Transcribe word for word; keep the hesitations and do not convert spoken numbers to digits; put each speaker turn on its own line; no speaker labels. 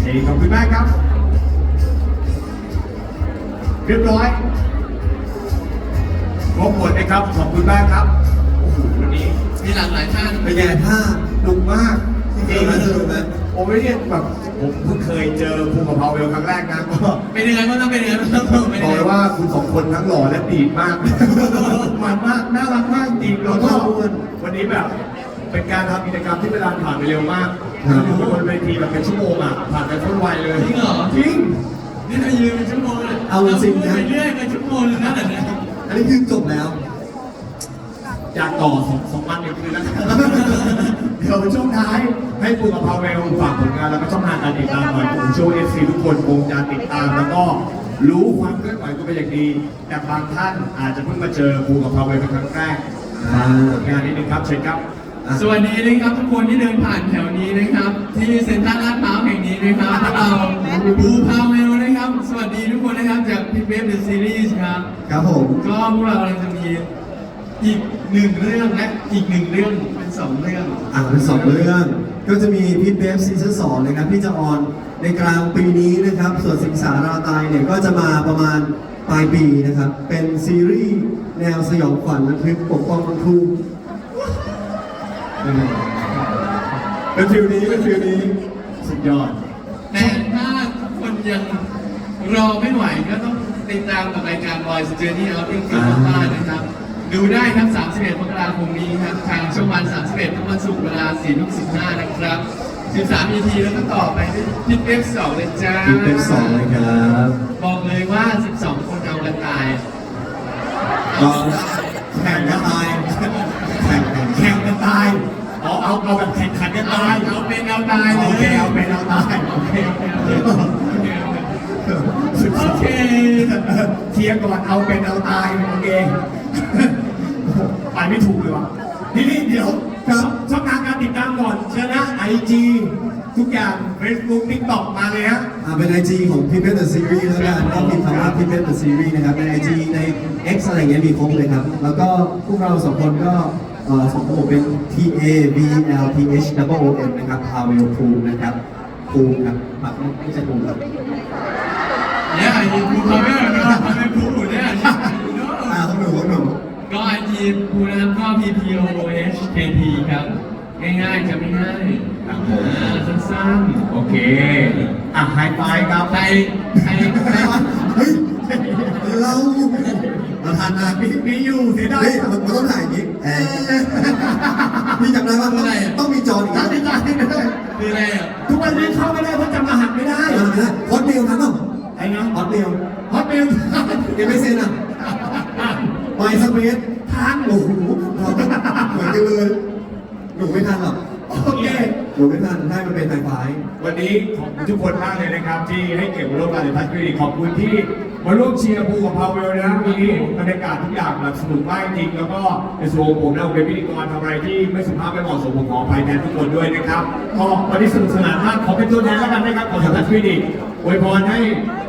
ขอบคุณมากครับเรียบร้อยครบหมดนะครับขอบคุณมากครับโอ้โหวันนี้มีหลากหลายท่านเป็นไงท่าหนุกมากจริงๆสนุกไหมผมไม่ได้แบบผมเพิ่งเคยเจอภูมิกับพาวเวลครั้งแรกนะก็เป็นยังไงบ้างต้องเป็นยังไงบ้างบอกเลยว่าคุณสองคนทั้งหล่อและดีมากมันมากน่ารักมากจริงแล้วก็วันนี้แบบเป็นการทำกิจกรรมที่เวลาผ่านไปเร็วมากอยู่บนเวทีแบบเป็นชั่วโมงอ่ะผ่านไปโคตรไวเลยจริงเหรอจริงนี่เรายืนเป็นชั่วโมงเลยเอาจริงนะเรื่อยๆเป็นชั่วโมงเลยนะเนี่ยอันนี้คือจบแล้วอยากต่อสองสองวันอีกคืนแล้วเดี๋ยวช่วงท้ายให้ปูกับพาวเวลฝากผลงานแล้วก็ช่องทางการติดตามหน่อยผมเชื่อว่าเอฟซีทุกคนคงจะติดตามแล้วก็รู้ความเคลื่อนไหวก็เป็นอย่างดีแต่บางท่านอาจจะเพิ่งมาเจอปูกับพาวเวลเป็นครั้งแรกผลงานนิดนึงครับเชิญครับ
สวัสดีนะครับทุกคนที่เดินผ่านแถวนี้นะครับที่เซ็นทรัลลาดพร้าวแห่งนี้นะครับพวกเราบูพาวเวลนะครับสวัสดีทุกคนนะครับจากพิกเวฟเดอะซีรีส์ครับ
ครับผม
ก็พวกเรากำลังจะมีอีกหนึ่งเรื่องและอีกหนึ่งเรื่องเป็นสองเรื่อง
อ่าเป็นสองเรื่องก็จะมีพิกเวฟซีซั่นสองนะครับที่จะออนในกลางปีนี้นะครับส่วนสิงสาราตายเนี่ยก็จะมาประมาณปลายปีนะครับเป็นซีรีส์แนวสยองขวัญระทึกปกป้องบรรทุกเป็นฟิลนี้เป็นฟิลนี้สุดยอด
แต่ถ้าคนยังรอไม่ไหวก็ต้องติดตามกับรายการ Boys Journey Outing ที่บ้านนะครับดูได้ครับสามสิบเอ็ดมกราคมนี้ครับทางช่องวันสามสิบเอ็ดทุกวันศุกร์เวลาสี่ทุ่มสิบห้านะครับสิบสาม อี พี แล้วก็ต่อไปที่พิทเอฟสองเลยจ้า
พิทเอฟสองเลยครับ
บอกเลยว่าสิบสองคนเอากันตาย
ก็แข่งกันตายแข่งแข่งกันตายเอาเอาเอาแบบแข่งขันกันตาย
เอาเป็นเอาตาย
โอเคเอาเป็นเอาตายโอเคโอเคเทียร์ก่อนเอาเป็นเอาตายโอเคไปไม่ถูกเลยว่ะทีนี้เดี๋ยวครับช่องทางการติดตามก่อนเชิญนะไอจีทุกอย่าง Facebook TikTok มาเลยฮะอ่าเป็น ไอ จี ของพิทเวฟเดอะซีรีส์แล้วกันก็พิมพ์คำว่าพิทเวฟเดอะซีรีส์นะครับใน ไอ จี ใน X อะไรเงี้ยมีครบเลยครับแล้วก็พวกเราสองคนก็เอ่อสองคนเป็น T A V L T H O O M นะครับพาวเวลภูมินะครับภูมิครับแบบไม่ใช่ภูมิครับ
เนี่ยไอจีภูมิเขาไม่เหมือนกันเขาไม่ภูมิเนี่ย
อ่าของหนูของหนู
ก็ไอจีภูมินะครับก็ P P O H K T ครับง่ายๆจะไม่ง่ายสั้นๆ
โอเคอ่ะไฮไฟครับ
ใครใครใคร
เฮ้ยเราเราทานนาพี่พี่อยู่เสียดายมันต้องถ่ายอย่างนี้พี่จำได้ว่าอะไรต้องมีจออีกแล้วไม่ได้
คืออะไรอ่ะ
ทุกวันนี้เข้าไม่ได้เพราะจำรหัสไม่ได้ฮอตเมลทันป่ะไอ้นะฮอตเมลฮอตเมลยังไม่เซ็นอ่ะไปสเปซทันโอ้โหเราเหมือนกันเลยหนูไม่ทันหรอกโอเคหนูไม่ทันให้มันเป็นไฟไฟวันนี้ขอบคุณทุกคนมากเลยนะครับที่ให้เกียรติมาร่วมงานในทัชคลินิกขอบคุณที่มาร่วมเชียร์ภูกับพาวเวลนะวันนี้บรรยากาศทุกอย่างแบบสนุกมากจริงแล้วก็ในส่วนของผมนะผมเป็นพิธีกรทำอะไรที่ไม่สุภาพไม่เหมาะสมผมขออภัยแทนทุกคนด้วยนะครับก็วันนี้สนุกสนานมากขอเป็นตัวแทนแล้วกันนะครับของทัชคลินิกอวยพรให้